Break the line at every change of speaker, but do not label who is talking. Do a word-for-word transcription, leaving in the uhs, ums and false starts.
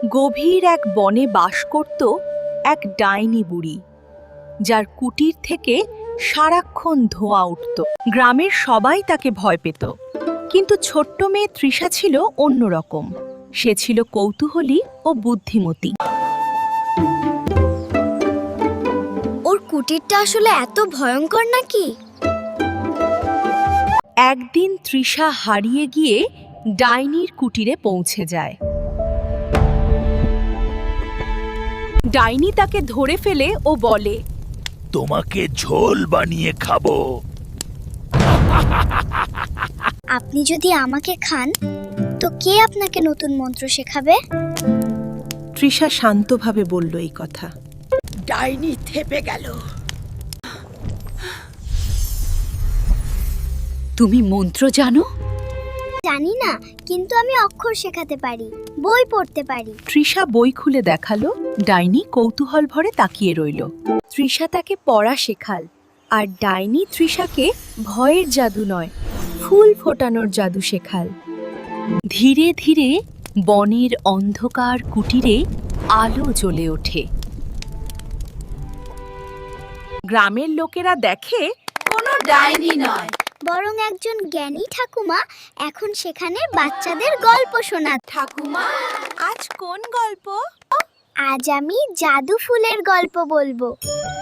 গভীর এক বনে বাস করত এক ডাইনি বুড়ি, যার কুটির থেকে সারাক্ষণ ধোঁয়া উঠত। গ্রামের সবাই তাকে ভয় পেত, কিন্তু ছোট্ট মেয়ে তৃষা ছিল অন্যরকম। সে ছিল কৌতূহলী ও বুদ্ধিমতী।
ওর কুটিরটা আসলে এত ভয়ঙ্কর নাকি?
একদিন তৃষা হারিয়ে গিয়ে ডাইনির কুটিরে পৌঁছে যায়। ডাইনি তাকে ধরে ফেলে ও বলে,
তোমাকে ঝোল বানিয়ে খাবো।
আপনি যদি আমাকে খান তো কে আপনাকে নতুন মন্ত্র শেখাবে?
তৃষা শান্তভাবে বলল এই কথা।
ডাইনি থেপে গেল।
তুমি মন্ত্র জানো?
জানি না, কিন্তু আমি অক্ষর শেখাতে পারি, বই পড়তে পারি।
তৃষা বই খুলে দেখালো। ডাইনি কৌতূহল ভরে তাকিয়ে রইল। তৃষা তাকে পড়া শেখাল, আর ডাইনি তৃষাকে ভয়ের জাদু নয়, ফুল ফোটানোর জাদু শেখাল। ধীরে ধীরে বনের অন্ধকার কুটিরে আলো জ্বলে ওঠে। গ্রামের লোকেরা দেখে
কোনো ডাইনি নয়,
বরং একজন জ্ঞানী ঠাকুমা এখন সেখানে বাচ্চাদের গল্প শোনাত।
ঠাকুমা আজ কোন গল্প?
আজ আমি জাদু ফুলের গল্প বলবো।